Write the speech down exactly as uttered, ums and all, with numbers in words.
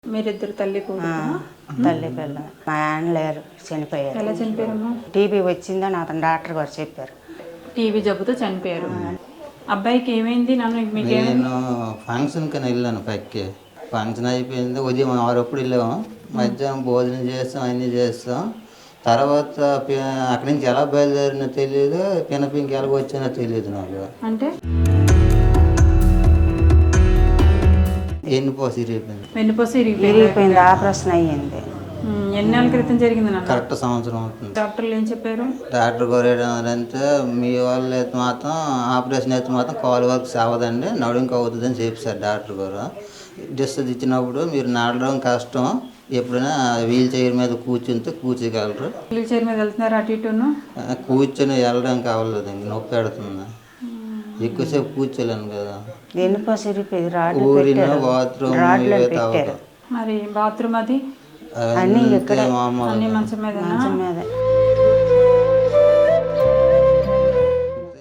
మీరిద్దరు తల్లి కూతురు తల్లి పిల్ల. మా ఆయన లేరు, చనిపోయారు. ఎలా చనిపోయారమ్మా? టీబీ వచ్చిందని అతను డాక్టర్ గారు చెప్పారు. టీబీ జబ్బుతో చనిపోయారు. అబ్బాయికి ఏమైంది? నన్ను మీకు నేను ఫంక్షన్కి వెళ్ళాను పైకి. ఫంక్షన్ అయిపోయింది, ఉదయం ఆరప్పుడు వెళ్ళాము. మధ్యాహ్నం భోజనం చేస్తాం, అన్నీ చేస్తాం. తర్వాత అక్కడి నుంచి ఎలా బయలుదేరినో తెలియదు, పినపింకి ఎలా వచ్చానో తెలియదు నాకు. అంటే ఎన్నిపోసి ఇరిగిపోయింది. వెన్నుపోసి విరిగిపోయింది, ఆపరేషన్ అయ్యింది. ఎన్ని నెలల క్రితం జరిగింది నాన్న? కరెక్ట్ సంవత్సరం అవుతుంది. డాక్టర్లు ఏం చెప్పారు? డాక్టర్ గారు ఏంటంటే మీ వాళ్ళు అయితే మాత్రం ఆపరేషన్ అయితే మాత్రం కాలు వరకు సావదండి, నడుంకి అవుతుందని చెప్పారు డాక్టర్ గారు. డిస్టెన్స్ ఇచ్చినప్పుడు మీరు నడడం కష్టం, ఎప్పుడైనా వీల్ చైర్ మీద కూర్చుంటే కూర్చోగలరు. వీల్ చైర్ మీద వెళ్తున్నారు అటు ఇటును? కూర్చొని వెళ్ళడానికి అవ్వలేదు, ఇంక నొప్పి పెడుతుంది. ఎక్కువసేపు కూర్చోలేను కదా. వెన్నుపోసి ఇరిగిపోయింది. ఊరిన బాత్రూమ్ అవ్వదు. మరి బాత్రూమ్ అది అన్నీ ఇక్కడ అన్ని మంచం మీద మంచం మీద